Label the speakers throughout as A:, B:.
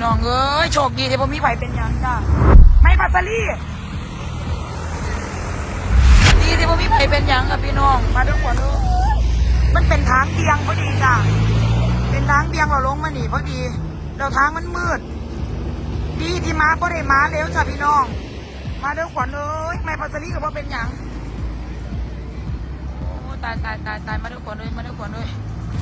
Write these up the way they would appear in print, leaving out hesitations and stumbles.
A: น้องเอ้ยโชคดีที่ผมมีไผเป็นหยังจ้าไม่ปัสสลีดีที่ผมมีไผเป็นหยังกับพี่น้องมาทุกคนเลยมันเป็นทางเบียงพอดีจ้าเป็นทางเบียงเราลงมาหนีพอดีแล้วทางมันมืดดีที่มาก็ได้มาเร็วจ้าพี่น้องมาทุกคนเลยไม่ปัสสลีกับว่าเป็นหยังโอ้ตายมาทุกคนเลยมาทุกคนเลย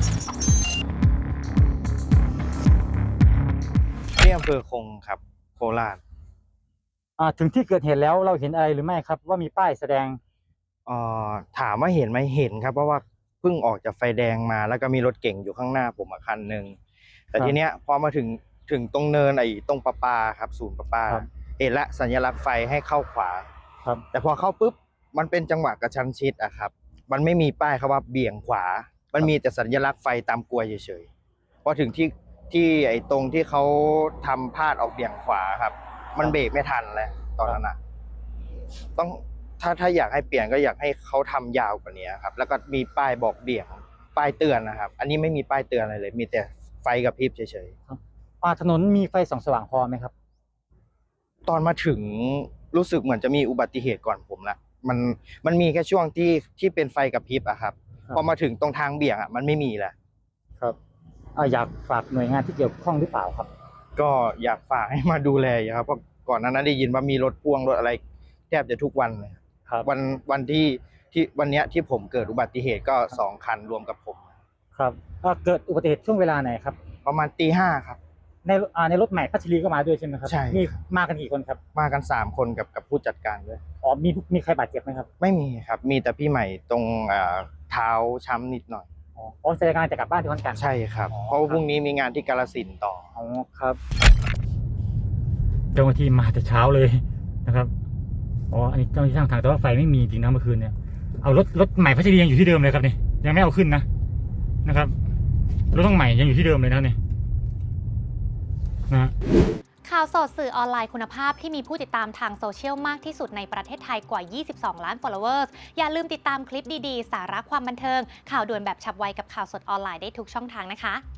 B: ที่อำเภอคงครับโคราช
C: ถึงที่เกิดเหตุแล้วเราเห็นอะไรหรือไม่ครับว่ามีป้ายแสดง
B: ถามว่าเห็นไหมเห็นครับเพราะว่าเพิ่งออกจากไฟแดงมาแล้วก็มีรถเก่งอยู่ข้างหน้าผมคันหนึ่งแต่ทีเนี้ยพอมาถึงตรงเนินตรงประปาครับศูนย์ประปาเห็นละสัญลักษณ์ไฟให้เข้าขวา
C: ครับ
B: แต่พอเข้าปุ๊บมันเป็นจังหวะกระชั้นชิดอะครับมันไม่มีป้ายครับว่าเบี่ยงขวามันมีแต่สัญลักษณ์ไฟตามกลวยเฉยๆพอถึงที่ตรงที่เขาทำพลาดออกเบี่ยงขวาครับมันเบรกไม่ทันแล้วตอนนั้นอะต้องถ้าอยากให้เปลี่ยนก็อยากให้เขาทำยาวกว่านี้ครับแล้วก็มีป้ายบอกเบี่ยงป้ายเตือนนะครับอันนี้ไม่มีป้ายเตือนอะไรเลยมีแต่ไฟกระพริบเฉย
C: ๆถนนมีไฟส่องสว่างพอไหมครับ
B: ตอนมาถึงรู้สึกเหมือนจะมีอุบัติเหตุก่อนผมละมันมีแค่ช่วงที่เป็นไฟกระพริบอะครับพอมาถึงตรงทางเบี่ยงอะมันไม่มีแล้ว
C: ครับอยากฝากหน่วยงานที่เกี่ยวข้องหรือเปล่าครับ
B: ก็อยากฝากให้มาดูแลครับเพราะก่อนหน้านั้นได้ยินว่ามีรถพ่วงรถอะไรแทบจะทุกวันเลย
C: ครับ
B: วันที่วันเนี้ยที่ผมเกิดอุบัติเหตุก็2 คันรวมกับผม
C: ครับเกิดอุบัติเหตุช่วงเวลาไหนครับ
B: ประมาณตี 5ครับ
C: ในรถใหม่พัชรีก็มาด้วยใช่ไหมครับ
B: ใช่
C: มีมากันกี่คนครับ
B: มากัน3 คนกับผู้จัดการด้วย
C: มีใครบาดเจ็บไหมครับ
B: ไม่มีครับมีแต่พี่ใหม่ตรงเท้าช้ำนิดหน่อย
C: แสดงงานจะกลับบ้านที่ขอนแก่น
B: ใช่ครับเพราะพรุ่งนี้มีงานที่กาฬสินธุ์ต่อ
C: ครับเจ้าหน้าที่มาแต่เช้าเลยนะครับอันนี้เจ้าหน้าที่ช่างทางแต่ว่าไฟไม่มีจริงนะเมื่อคืนเนี่ยเอารถใหม่พัชรียังอยู่ที่เดิมเลยครับนี่ยังไม่เอาขึ้นนะครับรถต้องใหม่ยังอยู่ที่เดิมเลยนะนี่นะ
D: ข่าวสดสื่อออนไลน์คุณภาพที่มีผู้ติดตามทางโซเชียลมากที่สุดในประเทศไทยกว่า 22 ล้าน followers อย่าลืมติดตามคลิปดีๆ สาระความบันเทิงข่าวด่วนแบบฉับไวกับข่าวสดออนไลน์ได้ทุกช่องทางนะคะ